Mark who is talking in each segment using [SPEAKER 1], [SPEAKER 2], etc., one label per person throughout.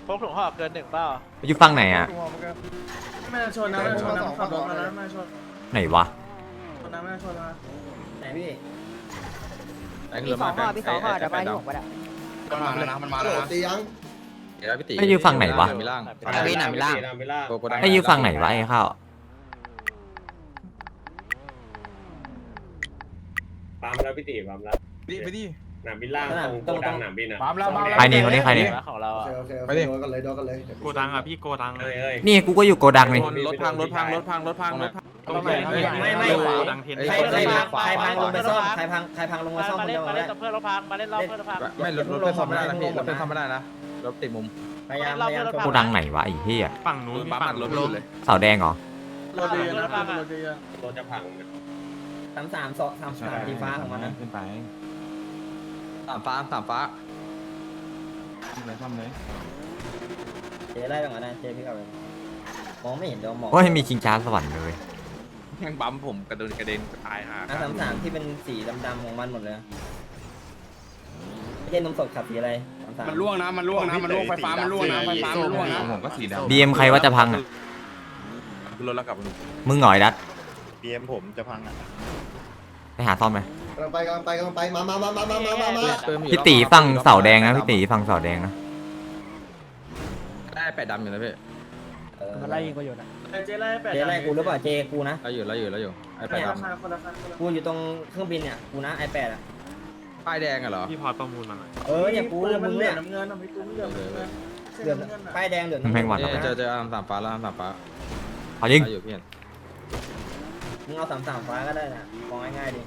[SPEAKER 1] กถุงห่อเกิน1เปล่า
[SPEAKER 2] อยู่ฝั่งไหนอ่ะ
[SPEAKER 3] ไม่ชนนะไม่ชนนะขับรถมาแล้วไม่ชน
[SPEAKER 2] ไหนวะ
[SPEAKER 3] ชนนะไม่ชนนะไหนพี่
[SPEAKER 4] พี่สองห่อพี่สองห่อเดี๋ยวไปที่ผมก็ได้
[SPEAKER 5] มันมาแล้วนะมันมาแล้วนะตียัง
[SPEAKER 2] ไอ้อยู่ฝั่งไหนวะ
[SPEAKER 5] มีล่าง
[SPEAKER 4] พี่หนามล่าง
[SPEAKER 2] ไอ้อยู่ฝั่งไหนวะไอ้ข้าว
[SPEAKER 6] ปามแล้วพี่ตีปามแล้ว
[SPEAKER 5] ไปดิ
[SPEAKER 6] หนามบินล่างตรงโกดังหนามบินอ่ะ
[SPEAKER 2] ใครนี่คนนี้ใครนี่
[SPEAKER 1] ของเรา
[SPEAKER 5] โอเคโอเคโดนกันเลยโดนกันเลย
[SPEAKER 7] โกดังอ่ะพี่โกดัง
[SPEAKER 6] เอ้ย
[SPEAKER 2] นี่กูก็อยู่โกดังนี่
[SPEAKER 7] รถพังรถพังรถพังรถพังรถพังโกดังเทน
[SPEAKER 3] ใครพังลงไปซ่อมใครพังลงมาซ่อม
[SPEAKER 1] มา
[SPEAKER 3] คน
[SPEAKER 1] เล่
[SPEAKER 3] เดี
[SPEAKER 1] น
[SPEAKER 3] ยว
[SPEAKER 1] มา
[SPEAKER 3] มา
[SPEAKER 1] เล่
[SPEAKER 3] เล่
[SPEAKER 1] น
[SPEAKER 3] น
[SPEAKER 1] เพื่อนเราพังมาเล่นรอบเพื่อนเราพัง
[SPEAKER 5] ไม่รถเป็นซ่อมไม่ได้นะพี่รถเป็นซ่อมไม่ได้นะรถติดมุม
[SPEAKER 3] พยายาม
[SPEAKER 2] โกดังไหนวะไอ้เหี้ย
[SPEAKER 7] ฝั่งนู้นพี่ฝั่งรถเลย
[SPEAKER 2] เสาแดงเหรอ
[SPEAKER 3] รถเยอะนะรถเยอะ
[SPEAKER 6] รถจะพัง
[SPEAKER 3] 3-3 ทีฟ้าของมันนะ
[SPEAKER 7] ขึ้นไป
[SPEAKER 5] สามฟ้า
[SPEAKER 7] เลยทำเลย
[SPEAKER 3] เจ๊ไล่แบบนั้นนะเจ๊พี่กลับไปมองไม่เห็นเดี๋ยวมอง
[SPEAKER 2] โอ้ยมีชิงช้าสวรรค์เลย
[SPEAKER 5] ยังบั๊มผมกระเด็นตายห่า
[SPEAKER 3] 3-3ที่เป็นสีดำๆของมันหมดเลยไม่ใช่นมสดขับสีอะไร3-3
[SPEAKER 5] มันล่วงนะมันล่วงไฟฟ้ามันล่วงนะไฟฟ้ามันล่วงนะ
[SPEAKER 7] ผมก็สีดำ
[SPEAKER 2] บีเอ็มใครว่าจะพังอ่ะ
[SPEAKER 5] รถแล้วกลับ
[SPEAKER 2] มึงหน่อยดัด
[SPEAKER 8] BM ผมจะพังอ่ะ
[SPEAKER 2] ไปหาซ่อมไหม
[SPEAKER 5] กำลังไปมา
[SPEAKER 2] พี่ตีฝั่งเสาแดงนะพี่ตีฝั่งเสาแดงนะ
[SPEAKER 5] ได้แปดดำอยู่นะพี่
[SPEAKER 4] มันไล่ยิงกูอยู่นะ
[SPEAKER 3] เจ๊ไล่กูหรือเปล่าเจกูนะ
[SPEAKER 5] แล้วอยู่ไอ้แปดดำ
[SPEAKER 3] กูอยู่ตรงเครื่องบินเนี่ยกูนะ iPad อ่ะ
[SPEAKER 5] ป้ายแดงอะเหรอ
[SPEAKER 7] พี่พอประมูลมาหน่อย
[SPEAKER 3] เนี่ยกูมึงเนี่ยเดือดป้ายแดงเดือด
[SPEAKER 2] แม่งหวัด
[SPEAKER 5] เจอสามฟ้าแล้วสามฟ้า
[SPEAKER 2] เอายิง
[SPEAKER 5] อยู่พี่
[SPEAKER 3] มึงเอา3-3ฟ้าก็ได้นะมองง่ายๆดิ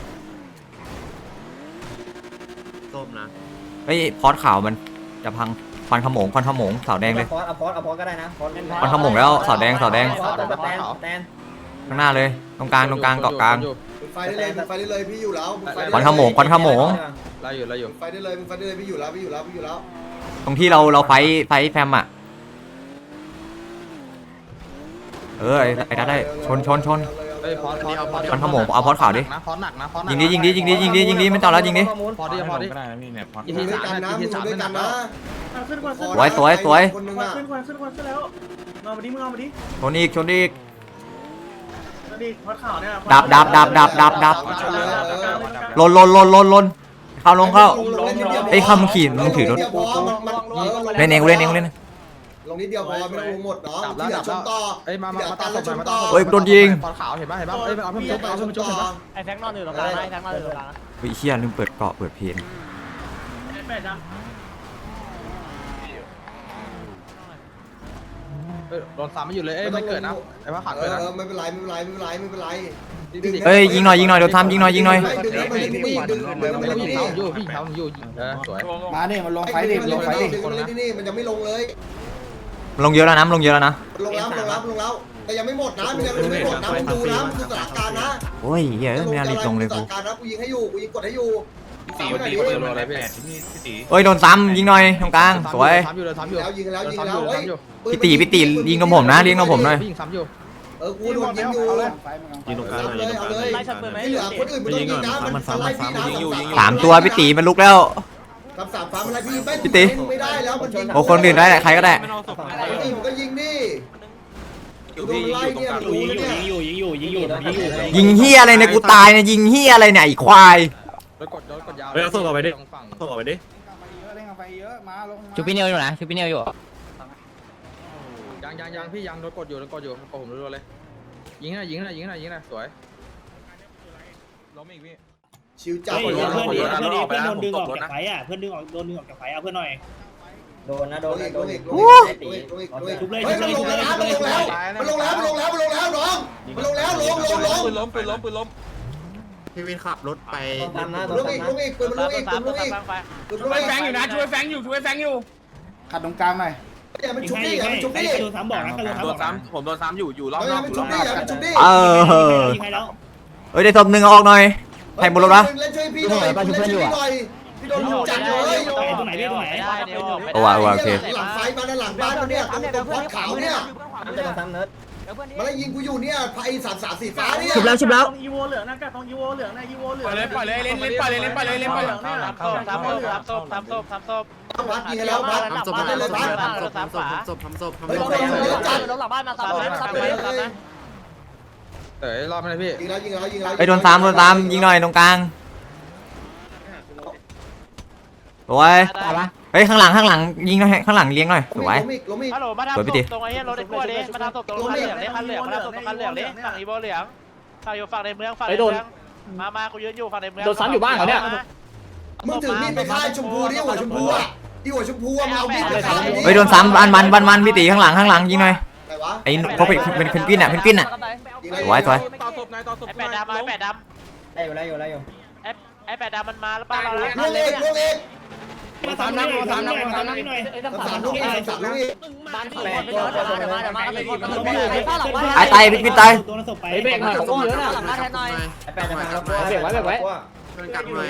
[SPEAKER 7] ส้มนะ
[SPEAKER 2] เฮ้ยพอดขาวมันจะพังควันขโมงเสาแดงเลย
[SPEAKER 3] เอาพอสก็ได้นะ
[SPEAKER 2] ควันขโมงแล้วเสาแดง
[SPEAKER 3] แตน
[SPEAKER 2] ข้างหน้าเลยตรงกลางเกาะกลาง
[SPEAKER 5] ไฟได้เลยพี่อยู่แล้ว
[SPEAKER 2] ควันขโมง
[SPEAKER 5] ไล่อยู่ไฟได้เลยพี่อยู่แล้ว
[SPEAKER 2] ตรงที่เราไฟแฟมอ่ะไอ้ดัดได้ชน
[SPEAKER 5] เฮ้ยพอด
[SPEAKER 2] ควันขโมงเอาพอดขาวดิ
[SPEAKER 5] นะพอดหนักนะพอด
[SPEAKER 2] ยิงดิไม่ต้องแล้วยิงดิ
[SPEAKER 5] พอดี
[SPEAKER 7] ก็ได้นะพี่เนี่ยพอ
[SPEAKER 5] อีทีสามนะอีทีสามนะ
[SPEAKER 3] ขึ้นควัน
[SPEAKER 2] สวย
[SPEAKER 5] คนนึง
[SPEAKER 3] ขึ้นควันแล้วมึงเอามาดิ
[SPEAKER 2] ชนอีก
[SPEAKER 3] ดิพอดข่าวเนี่ย
[SPEAKER 2] ดับลนเข้าไอ้คำขี่มึงถือรถเล่นเอง
[SPEAKER 5] ลงนิดเดียวพอไม่ต้องลงหมดเนาะที่เหลือชนต่อเอ้ยมาต่อ
[SPEAKER 2] เฮ้ยโดนยิง
[SPEAKER 5] พอขาวเห็นป่ะเอ้ยเอาเพิ่มชุบเห็นป่ะ
[SPEAKER 1] ไอ้แฟงนอนอยู่ตรงกลางไอ้แฟงนอนอยู่ตรงกลาง
[SPEAKER 2] เฮ้ยเชี่ยลืมเปิดเกาะเปิดเพลง
[SPEAKER 5] โดนซ้ำไม่อยู่เลยไม่เกิดนะไอ้ว่าขาดเลยนะไม่เป็นไร
[SPEAKER 2] เฮ้ยยิงหน่อยโดนทำยิงหน่อย
[SPEAKER 5] พี่เขาอยู่สวย
[SPEAKER 8] มาเนี่ยมันลงไฟดิลงไฟดิ
[SPEAKER 5] นี่มันยังไม่ลงเลย
[SPEAKER 2] ลงเยอะแล้วนะ
[SPEAKER 5] ลงแล้วแต่ยังไม่หมดนะมันยังไม่หมดนะมึงดูนะมึงดูสถานการณ์นะ
[SPEAKER 2] โอ้ยเฮ้ยไม่น่ารีบลงเลยกู
[SPEAKER 5] สถานการณ์นะกูยิงให้อยู่กูยิงกดให้อยู่
[SPEAKER 7] ตีตีปืนอะไรพี่พี่ตี
[SPEAKER 2] เฮ้ยโดนซ้ำยิงหน่อยตรงกลางสวย
[SPEAKER 5] ซ้ำอยู่แล้วยิงแล้ว
[SPEAKER 2] พี่ตียิงกับผมนะยิงกับผมหน่อย
[SPEAKER 5] ยิงซ้ำอยู่กูโดนยิงอยู่
[SPEAKER 7] ยิงตรงกลางเลยยิงตรงกลางเลย
[SPEAKER 1] ไล่ชักปืนไหม
[SPEAKER 5] ไม่เหลือคนอื่นมันต้องยิงนะมันไล่พี่นะ
[SPEAKER 2] 3 ตัวพี่ตีมันลุกแล้ว
[SPEAKER 5] กับสามฟ้ามันไล่พี่
[SPEAKER 2] พี่ตี
[SPEAKER 5] ไม่ได้แล้วมันยิง
[SPEAKER 2] โอ้คนอื่นได้ใครก็ได้
[SPEAKER 5] ผมก็ยิงดิโดนไล่เนี่ยรู้เนี่ย
[SPEAKER 2] ยิงเฮียอะไรเนี่ยกูตายเนี่ยยิงเฮียอะไรเนี่ยไอ้ควาย
[SPEAKER 5] แล้วกดยาว
[SPEAKER 7] เฮ้ยส่งออกไปดิส่งออกไปดิ
[SPEAKER 4] ชูพี่เนียวอยู่นะชูพี่เนียวอยู่
[SPEAKER 5] ยังพี่ยังโดนกดอยู่กดผมรัวเลยยิงนะสวย
[SPEAKER 7] ล้มอีกพี่
[SPEAKER 5] ชิวจับ
[SPEAKER 3] เพื่อนโดนดึงออกจากไฟอ่ะเพื่อนโดนดึงออกจากไฟเอาเพื่อนหน่อยโดนนะโดนชุบเลยชุบเลยมันลงแล้วน้องมันลงแล้วลง
[SPEAKER 7] ปืนล้มพี่วินขับรถไป
[SPEAKER 3] ตามนะ
[SPEAKER 5] ลงอีกปืนมันลงอีก
[SPEAKER 3] ช่วยแฟงอยู่นะช่วยแฟงอยู่
[SPEAKER 8] ขัดตรงกลางหน่อย
[SPEAKER 5] อย่ามันชุบดิอย่ามันชุบดิ
[SPEAKER 3] โดนซ้ำบอกนะ
[SPEAKER 7] โดนซ้ำผมโดนซ้ำอยู่รอบ
[SPEAKER 5] อย่ามันชุบดิอย่ามันชุบดิ
[SPEAKER 3] ยิงให้แล้ว
[SPEAKER 2] เฮ้ยได้ศพหนึ่งออกหน่อยใครบนรถวะ
[SPEAKER 5] เล่นช่วยพี่หน่อยพี่โดนลุมจัดเลย
[SPEAKER 3] ตรงไหนพี่ตรงไหน
[SPEAKER 2] โอเค
[SPEAKER 5] หลังไฟมาหลังบ้านเนี่ยตรงพอดขาวเนี่ย
[SPEAKER 3] จะโดนซ้ำเนิร์ด
[SPEAKER 5] มันไล่ยิงกูอยู่เนี่ยไอ้3-3สีฟ้าเนี่ย
[SPEAKER 4] ชุบแล้ว
[SPEAKER 1] อีโวเหลืองนะกับตรงอีโวเหลืองนะอีโวเหลือง
[SPEAKER 7] ปล่อยเลยเล่นปล่อยเลยปล่อยเลยปล่อยเลย
[SPEAKER 1] ทำศพทำศพ
[SPEAKER 5] พัดยิงกันแล้วพัดได้เลยพัด
[SPEAKER 1] ทำฝา
[SPEAKER 5] เฮ้ยเดี๋ยวจัด
[SPEAKER 1] ลงหลังบ้านมาซ้ำซ้ำนะ
[SPEAKER 7] รอไปเลยพี่
[SPEAKER 5] ยิงแล้ว
[SPEAKER 2] ไปโดนซ้ำยิงหน่อยตรงกลางสวยเฮ้ยข้างหลังยิงหน่อยข้างหลังเลี้ยงหน่อยสวย
[SPEAKER 5] ล้มอีก
[SPEAKER 1] ฮัลโหลมาทำศพตรงไอ้เหี้ยรถไอ้กล้วยดิมาทำศพตรงคันเหลืองดิคันเหลืองมาทำศพตรงคันเหลืองดิฝั่งอีโวเหลืองฝั่งอยู่ฝั่งในเมืองฝั่งในเมืองมากูยืนอยู่ฝั่งในเมือง
[SPEAKER 4] โดนซ้ำอยู่บ้านเหรอเนี่ย
[SPEAKER 5] มึงถือมีดไปฆ่าชมพูดิหัวชมพูอ่ะที่หัวชมพูอ่ะมาเอามีดไปฆ่า
[SPEAKER 2] เฮ้ยโดนซ้ำมันพี่ตีข้างหลังยิงหน่อย
[SPEAKER 5] อะไรวะ
[SPEAKER 2] ไอ้เขาเป็นเพนกวินอ่ะสวย
[SPEAKER 7] ต่อศพนายต่อศพ
[SPEAKER 1] ไอ้แปดดำไอ้แปดดำ
[SPEAKER 3] ได้อยู่
[SPEAKER 1] ไอ้แปดดำมันมาแล้วป้าเราแล้ว
[SPEAKER 5] ลูกเอก
[SPEAKER 3] มาทำนั่งหน่อย3
[SPEAKER 5] ลูกเอก
[SPEAKER 4] บ้านแปดตัว
[SPEAKER 2] ตายพี่วินตาย
[SPEAKER 3] ตัวนั้นศพไป
[SPEAKER 4] เบรกหน่อยผมเยอะนะหลังบ้านแทนหน่อย
[SPEAKER 3] แปดจะมาแล้ว
[SPEAKER 4] เบรกไว้
[SPEAKER 7] กักหน่อย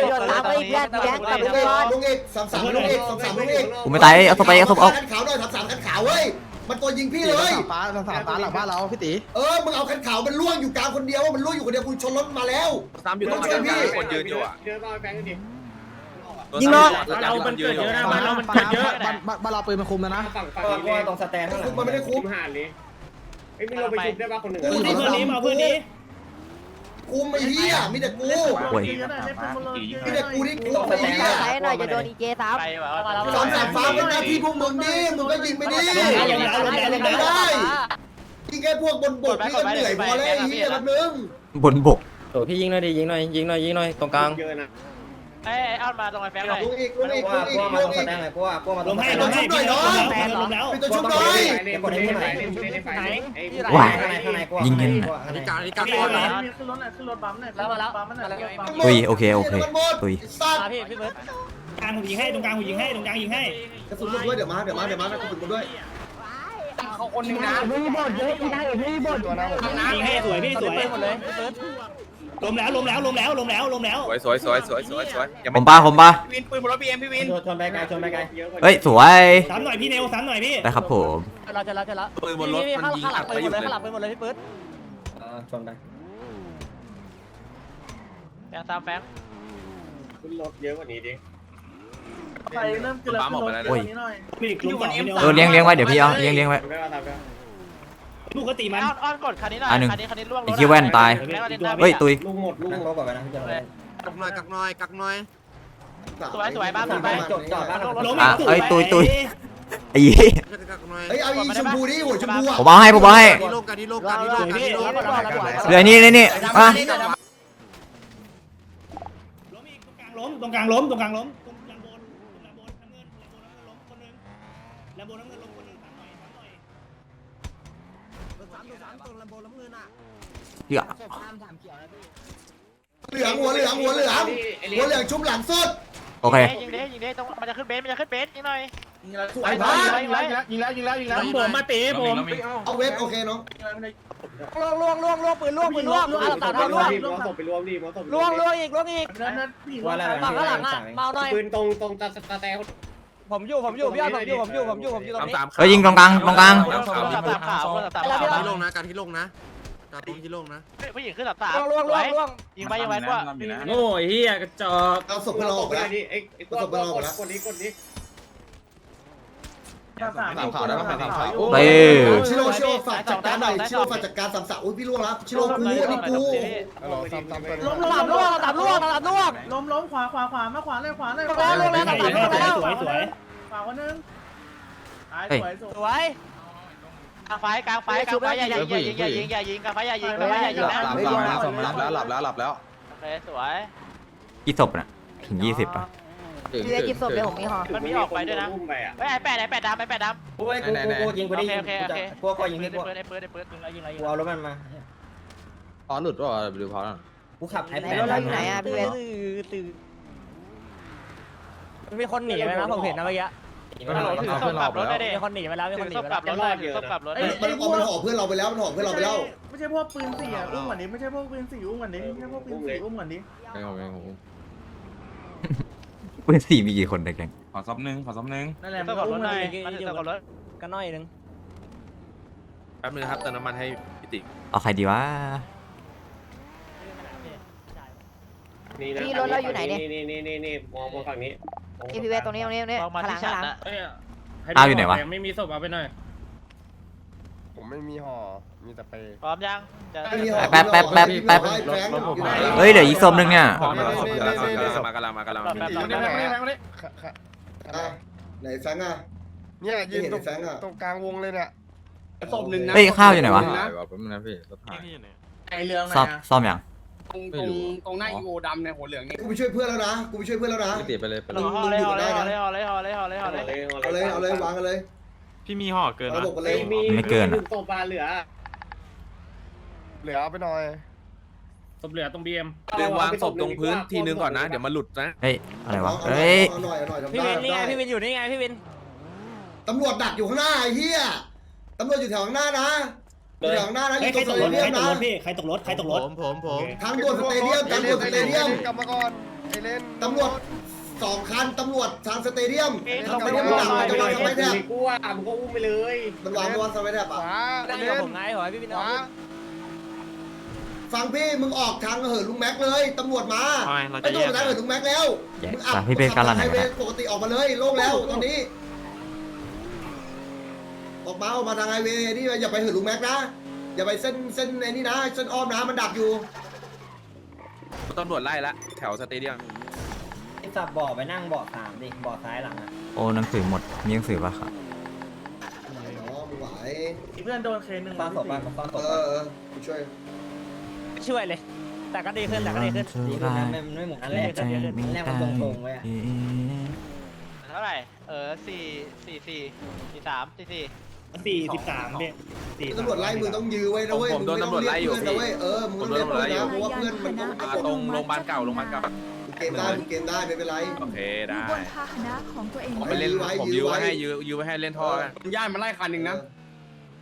[SPEAKER 5] ลูกเอก3-3ลูกเอก3-3ลูกเอก
[SPEAKER 2] กูไม่ตายเอาศพเอา
[SPEAKER 5] คันขาวหน่อย3-3คันขาวเว้ยมันตัวยิงพี่เลย
[SPEAKER 8] ฟ้าหลังบ้านเราพี่ตี
[SPEAKER 5] มึงเอาคันขาวมันล่วงอยู่กลางคนเดียวมันล่วงอยู่คนเดียวกูชนรถมาแล้ว
[SPEAKER 7] ซ้ำอยู่ตรงคนยืนอยู่อ่ะ
[SPEAKER 6] เจอบ้าแฟงกันดิ
[SPEAKER 4] ยิงเนาะ
[SPEAKER 1] เรามันเกิดเยอะนะบ้านเรามันเกิดเยอะ
[SPEAKER 8] บ้านเราปืนมาคุมแล้วนะ
[SPEAKER 6] ฝั่ง
[SPEAKER 3] ก็ตรงสแตนข้างหลัง
[SPEAKER 5] มันไม่ได้คุ้ม
[SPEAKER 6] ห่านเลยไอ้ไม่เราไปชุบได้ป่ะคนหนึ่ง
[SPEAKER 3] เพื่อนนี้มาเพื่อนนี้
[SPEAKER 5] คุ้มไอ้เหี้ยมีแต่กู
[SPEAKER 2] โอ้ย
[SPEAKER 5] มีแต่กูที่คุ้มไอ้เหี้ย
[SPEAKER 4] ใช้หน่อยจะโดนอีเจซ้ำ
[SPEAKER 1] ไปแบบว่า
[SPEAKER 5] 3-3ฟ้าเป็นหน้าที่พวกมึงนี่มึงก็ยิงไปดิไม่ได้ยิงแค่พวกบนบกนี่ก็เหนื่อยพอแล้วไอ้เหี้ยแบบนึง
[SPEAKER 2] บนบก
[SPEAKER 4] โอ้พี่ยิงหน่อยดิยิงหน่อยตรงกลาง
[SPEAKER 6] เยอะนะ
[SPEAKER 1] ไอ้เอามาตรงไอ้แฟงหน่อย
[SPEAKER 5] ลูกอีก
[SPEAKER 3] มาตรงสแตนเลยกลัวมาลงให้แล้ว
[SPEAKER 5] เป็นตัวชุบน้อย
[SPEAKER 6] เล่นในไฟ
[SPEAKER 2] ว้า
[SPEAKER 3] ข้างในกลัว
[SPEAKER 2] ยิงกัน
[SPEAKER 7] นี่การก่อนนะ
[SPEAKER 1] ขึ้นรถหน่อยขึ้นรถบัมหน่อย
[SPEAKER 4] แล้วมาแล้ว
[SPEAKER 1] บัมหน่อย
[SPEAKER 2] ตุยโอเคตุย
[SPEAKER 5] สัตว์
[SPEAKER 1] พี่เบิร์ด
[SPEAKER 3] กลางหูยิงให้ตรงกลางหูยิงให้ตรงกลางยิงให้
[SPEAKER 5] กระสุนด้วยเดี๋ยวมานะกระสุนด้วย
[SPEAKER 4] เขาคนนึงนะมีบทเยอะพี่ได้มีบท
[SPEAKER 3] ยิงให้สวยพี่สวย
[SPEAKER 1] หมดเลยเบิร์ด
[SPEAKER 3] ล้มแล้ว
[SPEAKER 7] สวย
[SPEAKER 2] ผมปะ
[SPEAKER 7] วินปืนบนรถบีเอ็มพี่วิน
[SPEAKER 3] ชนไปไกล
[SPEAKER 2] เฮ้ยสวย
[SPEAKER 3] ซ้ำหน่อยพี่เนวซ้ำหน่อยพี่
[SPEAKER 2] ได้ครับผม
[SPEAKER 1] เราจะแล้ว
[SPEAKER 7] ปืนบนรถมันยิงอัดไปอยู่เลย
[SPEAKER 1] ข้างหลังไปหมดเลยพี่เบิร์ด
[SPEAKER 3] ชนไป
[SPEAKER 1] แฟงตามแฟง
[SPEAKER 6] ขึ้นรถเยอะกว่านี้ดิ
[SPEAKER 1] ไปเริ่มขึ้นแล้วขึ้นรถ
[SPEAKER 2] โอ้ย
[SPEAKER 1] นี้หน่อย
[SPEAKER 3] พี่ล้มสองพี่เนว
[SPEAKER 2] เลี้ยงไว้เดี๋ยวพี่เอาเลี้ยงไว้
[SPEAKER 6] ไม่ว่าทำแล้ว
[SPEAKER 3] ปกติมัน
[SPEAKER 1] อ้อนกดคันนี้หน่อยคันนี้ล่วงรถ
[SPEAKER 2] ไอ้ขี้แว่นตายเฮ้ยตุย
[SPEAKER 6] ลูกหมด
[SPEAKER 3] นั่งก็ก่อนนะพี่จะ
[SPEAKER 7] กักหน่อย
[SPEAKER 1] สวยบ้านไป
[SPEAKER 3] จอดบ้าน
[SPEAKER 2] ไอ้ยี่
[SPEAKER 5] เฮ้ยเอาอีชมพูดิหัวชมพูอ่ะ
[SPEAKER 2] ผมเอาให้
[SPEAKER 7] ที่โลกกัน
[SPEAKER 2] เหลือนี่อ่ะ
[SPEAKER 3] ล้มตรงกลางล้มตรงลำบนน้ำเงินล้มคนนึงลำบนน้ำเงินล้มคนนึงซ้ำหน่อย
[SPEAKER 2] เหี้ย
[SPEAKER 5] เหลืองหัวเหลืองชุบหลังสุด
[SPEAKER 2] โอเค
[SPEAKER 1] ยิงดิต้องมันจะขึ้นเบสยิงหน่อย
[SPEAKER 5] สวยมาก
[SPEAKER 8] ยิงแล้ว
[SPEAKER 3] ผมมาตีผม
[SPEAKER 5] เอาเว็บโอเคน้อง
[SPEAKER 4] ล่วงปืนล่วงอ่ะตัดล่วง
[SPEAKER 6] มอสไปรวมดิมอส
[SPEAKER 4] ล่วงอีกฝั่งข้างหลังอ่ะเมาหน่อย
[SPEAKER 6] ปืนตรงตาแต่
[SPEAKER 4] ผมอยู่พี่อ้อนผมอยู่ตรงนี้
[SPEAKER 2] เฮ้ยยิงตรงกลาง
[SPEAKER 1] สามขาว
[SPEAKER 7] ที่ลงนะการที่ลงนะการตรงที่ลงนะ
[SPEAKER 1] ผู้หญิงขึ้นสาม
[SPEAKER 4] ล่วง
[SPEAKER 1] ยิงไปกว่า
[SPEAKER 3] โง่เฮียกระจอก
[SPEAKER 5] เอาศพเราออกไปแล้ว
[SPEAKER 6] ดิไอ้กดนี้
[SPEAKER 7] สามข่าวได้ป่ะสามข่าว
[SPEAKER 2] เต้
[SPEAKER 5] ชิโร่ฝากจัดการหน่อยชิโร่ฝากจัดการ3-3อุ้ยพี่ล่วงแล้วชิโร่กูอันนี้กู
[SPEAKER 4] ตับล่วง
[SPEAKER 1] ล้มขวามาขวาเลย
[SPEAKER 3] สวย
[SPEAKER 1] ขวาคนนึง
[SPEAKER 4] สวย
[SPEAKER 1] กลางไฟอย่ายิงกลางไฟอย่ายิงนะ
[SPEAKER 7] หลับแล้ว
[SPEAKER 1] โอเคสวย
[SPEAKER 2] กี่ศพน่ะถึง20ป่ะ
[SPEAKER 4] พี่ได้กินศพเดี๋ยวผมมีห่อ
[SPEAKER 1] มันมีออกไปด้วยนะ
[SPEAKER 6] อุ้มไปอ่ะ
[SPEAKER 1] ไอ้แปดดำ
[SPEAKER 3] กูยิงกูได้ยิงกูยิงให้กู
[SPEAKER 1] เปิดยิงอะไร
[SPEAKER 3] กูเอารถมันมา
[SPEAKER 7] พอหลุดป่ะดูพอแล้ว
[SPEAKER 3] กูขับไอ้
[SPEAKER 4] ไหน
[SPEAKER 3] แปด
[SPEAKER 4] รถเราอยู่ไหนอ่ะพี่เบนมีคนหนีไปนะผมเห็นนะเมื่อกี้
[SPEAKER 1] ถือศพกลับรถได้ดิ
[SPEAKER 4] มีคนหนีไปแล้ว
[SPEAKER 1] ถือศพกลับรถเลยถือศพกลับรถ
[SPEAKER 5] มันห่อเพื่อนเราไปแล้วมันห่อเพื่อนเราไปแล้ว
[SPEAKER 1] ไม่ใช่พวกปืนสี่อุ้มเหมือนนี้ไม่ใช่พวกปืนสี่อุ้มเหมือนนี้ไม่ใช่พวกปืนสี่อุ้มเหมือนนี้
[SPEAKER 2] ปืน4มีกี่คนในแก๊ง
[SPEAKER 7] ขอซับนึง
[SPEAKER 1] นั่นแหละศพกลับรถหน่อยมาถือศพกลับรถ
[SPEAKER 4] กันน้อยนึง
[SPEAKER 7] ไปป๊บนึงครับเติมน้ำมันให้พี่ติ๊ก
[SPEAKER 2] เอาใครดีวะ
[SPEAKER 6] นี่นะนี่มองฝั่งนี้
[SPEAKER 4] พี่เวทตรงนี้
[SPEAKER 1] มองมา
[SPEAKER 4] ข้างหลั
[SPEAKER 1] ที่
[SPEAKER 4] ง
[SPEAKER 1] ฉั
[SPEAKER 4] ข้าง
[SPEAKER 1] น
[SPEAKER 4] หลัง
[SPEAKER 1] นะ
[SPEAKER 2] อ้าวอยู่ไหนวะ
[SPEAKER 7] ไม่มีศพเอาไปหน่อย
[SPEAKER 9] ผมไม่มีห่อมีแต่เปย์
[SPEAKER 1] พร้อมยังจะ
[SPEAKER 2] แป๊บเฮ้ยเดี๋ยวอีกศพนึงเนี่ย
[SPEAKER 7] มากำลัง
[SPEAKER 1] แบบ
[SPEAKER 5] ไหนแฟงอ่ะ
[SPEAKER 9] เนี่ยยืนตรงกลางวงเลยเนี่ย
[SPEAKER 6] ศพหนึ่งนะ
[SPEAKER 2] เฮ้ยข้าวอยู่ไหนวะ
[SPEAKER 7] ไอเรื่อง
[SPEAKER 2] ซ่อมยัง
[SPEAKER 6] ตรงหน้าอีโอดำในหัวเหลืองนี่
[SPEAKER 5] กูไปช่วยเพื่อนแล้วนะกูไปช่วยเพื่อนแล้วนะ
[SPEAKER 7] พี่ติ๊กไปเลย
[SPEAKER 1] ห่อเลยห่อเลยห่อเลยห่อเลยห่อเลยห่อเลยห่อเลย
[SPEAKER 5] เอาเลยวางกันเลย
[SPEAKER 7] พี่มีห่อเกิน
[SPEAKER 5] ระบบกันเลย
[SPEAKER 6] ศพมาเหลือ
[SPEAKER 9] เหลือเอาไปหน่อย
[SPEAKER 7] ศพเหลือตรงบีเอ็มเดี๋ยววางศพตรงพื้นทีนึงก่อนนะเดี๋ยวมันหลุดนะ
[SPEAKER 2] เฮ้ยอะไรวะเฮ้ย
[SPEAKER 5] เอาหน่อยทำ
[SPEAKER 4] พี่
[SPEAKER 5] ได้
[SPEAKER 4] วินนี่ไงพี่วินอยู่นี่ไงพี่วิน
[SPEAKER 5] ตำรวจดักอยู่ข้างหน้าไอ้เหี้ยตำรวจอยู่แถวข้างหน้านะอยู่แถวข้างหน้านะอยู่
[SPEAKER 3] ใค
[SPEAKER 5] ต
[SPEAKER 3] ร
[SPEAKER 5] รง
[SPEAKER 3] ต
[SPEAKER 5] ส
[SPEAKER 3] ก
[SPEAKER 5] เต
[SPEAKER 3] รถ
[SPEAKER 5] เดียม
[SPEAKER 3] ใครตกร
[SPEAKER 5] นะ
[SPEAKER 3] ถพี่ใครตกรถ
[SPEAKER 7] ผม
[SPEAKER 5] ทางด่วนสเตเดียมทางด่วนสเตเดียม
[SPEAKER 9] กลับมาก่อนไอเลน
[SPEAKER 5] ตำรวจ2 คันตำรวจทางสเตเดียม
[SPEAKER 1] ต้องไป
[SPEAKER 5] สเต
[SPEAKER 1] ดู
[SPEAKER 5] เดียม
[SPEAKER 1] ห
[SPEAKER 5] ห
[SPEAKER 1] น่
[SPEAKER 5] ลั
[SPEAKER 1] อง ย
[SPEAKER 5] จะวางสไปแทบ
[SPEAKER 6] กูว่ามึงก็อุ้มไปเลย
[SPEAKER 5] มันวางสไปแทบ
[SPEAKER 9] ข
[SPEAKER 5] อ่ะ
[SPEAKER 9] วา
[SPEAKER 4] นั่งอยู่กับผมไงขอให้พี่วิน
[SPEAKER 9] ข
[SPEAKER 4] เอา
[SPEAKER 9] วา
[SPEAKER 5] ฟังพี่มึงออกทางเหินลุงแม็กเลยตำรวจมาไอ้ตำรวจทางเหินลุงแม็กแล้วมึงอับไฮเวย์ปกติออกมาเลยโล่งแล้วตอนนี้ออกมาทางไฮเวย์นี่อย่าไปเหินลุงแม็กนะอย่าไปเส้นไอ้นี่นะเส้นอ้อมนะมันดักอยู่
[SPEAKER 7] ตำรวจไล่ละแถวสเตเดียม
[SPEAKER 3] สับบ่อไปนั่งบ่อ3ดิบ่อซ้ายหลังอ่ะ
[SPEAKER 2] โอ้หนังสือหมดมีหนังสือปะครับ
[SPEAKER 5] ไหนเนาะมึงไหว
[SPEAKER 3] เพื่อนโดนเคนึงซ่อนศพบ้างซ่อนศพ
[SPEAKER 5] กูช่วย
[SPEAKER 4] ช่วยเลย แต่ก็ดีขึ้นแต่ก็ดีขึ้น
[SPEAKER 3] ดีขึ้นนะไม่เหมือนอันแรกอันแรกมันตรงๆไว้อะ
[SPEAKER 1] เท่าไหร่4 43
[SPEAKER 3] 43พี่
[SPEAKER 5] ตำรวจไล่มึงต้องยื้อไว้นะเว้ยมึงต้องเรียกเพื่อนนะเว้ยมึงต้องเรียกเพื่อนนะเพราะว่าเพื่อนมันต้อง
[SPEAKER 7] ตรงโรงพยาบาลเก่า
[SPEAKER 5] เกมได้ไม่เป็นไร
[SPEAKER 7] โอเคได้
[SPEAKER 10] บนพาหนะของตัวเอง
[SPEAKER 7] ผมไปเล่นผมยื้อไว้ให้เล่นท่อกัน
[SPEAKER 6] ย่านมาไล่คันหนึ่งนะ